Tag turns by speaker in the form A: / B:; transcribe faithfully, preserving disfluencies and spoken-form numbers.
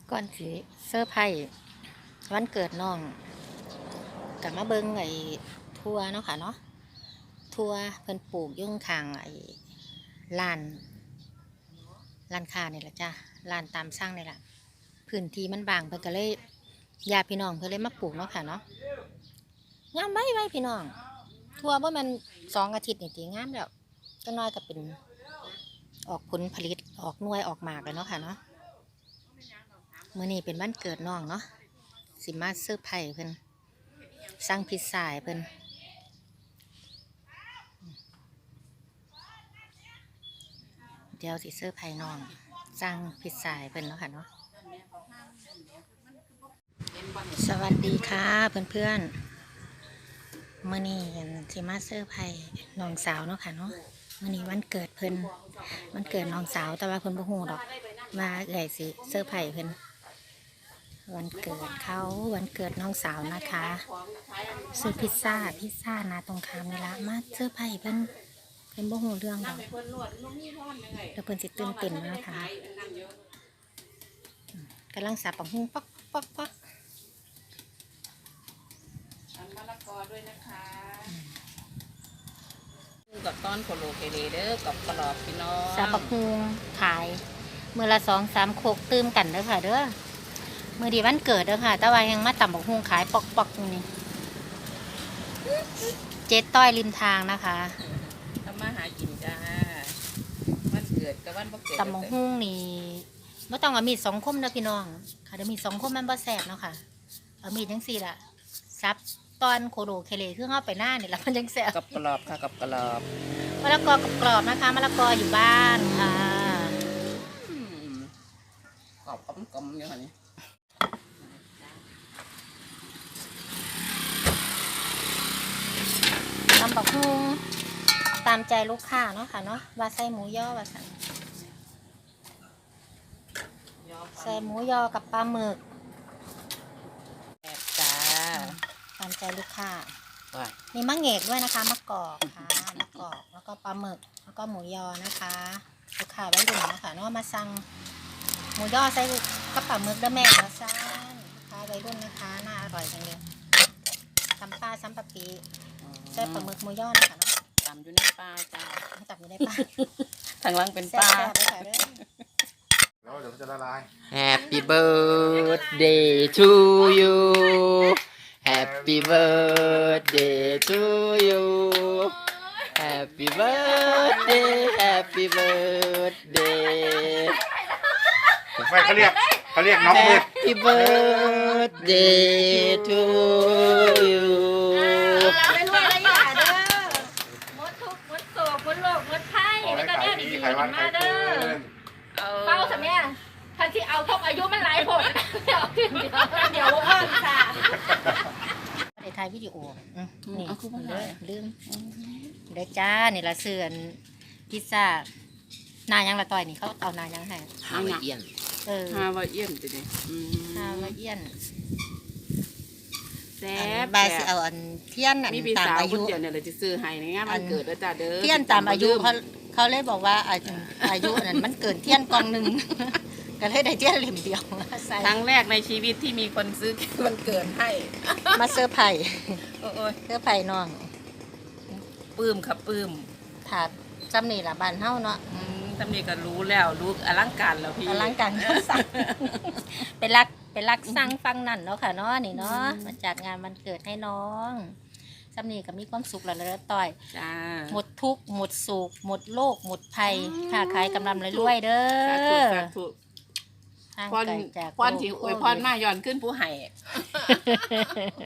A: ก่อนสิเซอร์ไพรส์วันเกิดน้องกับมาเบิ้งไอ้ทัวเนาะค่ะเนาะทัวเพิ่นปลูกยุ่งข้างไอ้ลานลานค้านี่แหละจ้ะลานตามสร้างนี่แหละพื้นที่มันบางเพิ่นก็เลยญาติพี่น้องเพิ่นเลยมาปลูกเนาะค่ะเนาะงามไว้ไว้พี่น้องทัวบ่แม่นสองอาทิตย์นี่ติงามแล้วก็น้อยก็เป็นออกผลผลิตออกหน่วยออกหมากเลยเนาะค่ะเนาะมื้อนี้เป็นวันเกิดน้องเนาะสิมาเซอร์ไพรส์เพิ่นสั่งพิซซ่าให้เพิ่นเดี๋ยวสิเซอร์ไพรส์น้องสั่งพิซซ่าให้เพิ่นเนาะค่ะเนาะสวัสดีค่ะเพื่อนๆมื้อนี้สิมาเซอร์ไพรส์น้องสาวเนาะค่ะเนาะมื้อนี้วันเกิดเพิ่นวันเกิดน้องสาวแต่ว่าเพิ่นบ่ฮู้ดอกว่าเอื้อยสิเซอร์ไพรส์เพิ่นวันเกิดเขาวันเกิดน้องสาวนะคะซื้อพิซซ่าพิซซ่านาตรงคามนี่ละมาเซอร์ไพรส์เพิ่นเพิ่นบ่ฮู้เรื่องดอกแล้วเพิ่นสิตื่นเต้นนะคะกำลังสับปังหุ้งปักปักปัก
B: มะละกอด้วยนะคะกับต้อนโคโลเคเลเด้อกับกรอบพี่น้อง
A: สับปังหุ้งขายมือละสองสามโคกตื้มกันเด้อค่ะเด้อมือดีวันเกิดเด้อค่ะแต่ว่ายังมาตำบักหุ้งขายปอกปอกตรงนี้เจ๊ต้อยริมทางนะคะ
B: ทำมาหากินจ้าวันเกิดกับวันบ่เกิด
A: ตำบักหุ้งนี่ไม่ต้องเอามีดสองคมนะพี่น้องค่ะเดี๋ยวมีดสองคมมันบ่แสบเนาะค่ะเอามีดทั้งสี่ละซับตอนโคโดเคเลเครื่องเอาไปหน้าเนี่ยแล้วมันยังแสบ
B: กับกรอบค่ะกับกรอบ
A: มะละกอกับกรอบนะคะมะละกออยู่บ้านค่ะ
B: กรอบกลมๆอยู่ค่ะนี่
A: ตำบักหุ่งตามใจลูกค้าเนาะค่ะเนาะว่าใส่หมูย่อว่าสั่นใส่หมูยอกับปลาหมึก
B: แอบจ้า
A: ตามใจลูกค้า
B: ว่า
A: มีมะเงกด้วยนะคะมะกอกค่ะมะกอกแล้วก็ปลาหมึกแล้วก็หมูยอนะคะลูกค้าไว้ดูนะคะเนาะมาสั่งหมูยอใส่กับปลาหมึกแล้วแม่มาสั่งลูกค้าไว้รุ่นนะคะน่าอร่อยจังเลยตำปลาซ้ำปลาปีใส่ปลาหมึกหมูยอนะคะเนาะ
B: ตำอยู่ในปลาจ้า
A: ตำอยู่ในปลา
B: ทางล่างเป็นปลา
C: แล้วเดี๋ยวมันจะละลาย
B: Happy birthday to you Happy birthday to you Happy birthday Happy birthday
C: ไม่เขาเรียกเขาเรียกน้องมืด
B: Happy birthday to you
A: เป็นวันอะไรอย่าเด้อมดทุกมดโศกมดโลกมดไข้แล้วก็เนี่ยดีๆมาเด้อเป้าสมัยทันที่เอาทบอายุมันหลายผลเดี๋ยวเดี๋ยวเดี๋ยวเพิ่มค่ะในไทยวิดีโอนี่เลยลืมเด้จ้านี่ละเสื่อนพิซซ่านายังละต่อยนี่เขาเอานายังให้
B: ฮาวาเอียน
A: เออ
B: ฮาวาเอียนจะดิ
A: ฮาวาเอียน
B: แซ่
A: บบายสิเอาอันเทียนอันตามอายุ
B: เดี๋ยวเนี่ยเราจะซื้อให้ในงานวันเกิดแล้วจ้าเด้อ
A: เทียนตามอายุเขาเขาเลยบอกว่าอายุนั้นมันเกินเทียนกองหนึ่งก็เลยได้เทียนเหลี่ยมเดียว
B: ครั้งแรกในชีวิตที่มีคนซื้อวันเกิดให้
A: มาเซอร์ไพรส์
B: โอ้ย
A: เซอร์ไพรส์น้อง
B: ปื้มครับปื้ม
A: ถาดจำนี่ละบานเฮาเนาะ
B: จำนี่ก็รู้แล้วรู้อลังการแล้วพี่
A: อลังการสั่งเป็นรักเป็นรักสั่งฟังนั่นเนาะค่ะเนาะนี่เนาะมาจัดงานวันเกิดให้น้องจำนี่ก็มีความสุขแล้วแล้วต่อยหมดทุกข์หมดสุขหมดโลกหมดภัยค้าขายกำลังรวยเด้อ
B: พรพรที่อวยพรมาย้อนขึ้นผู้ให้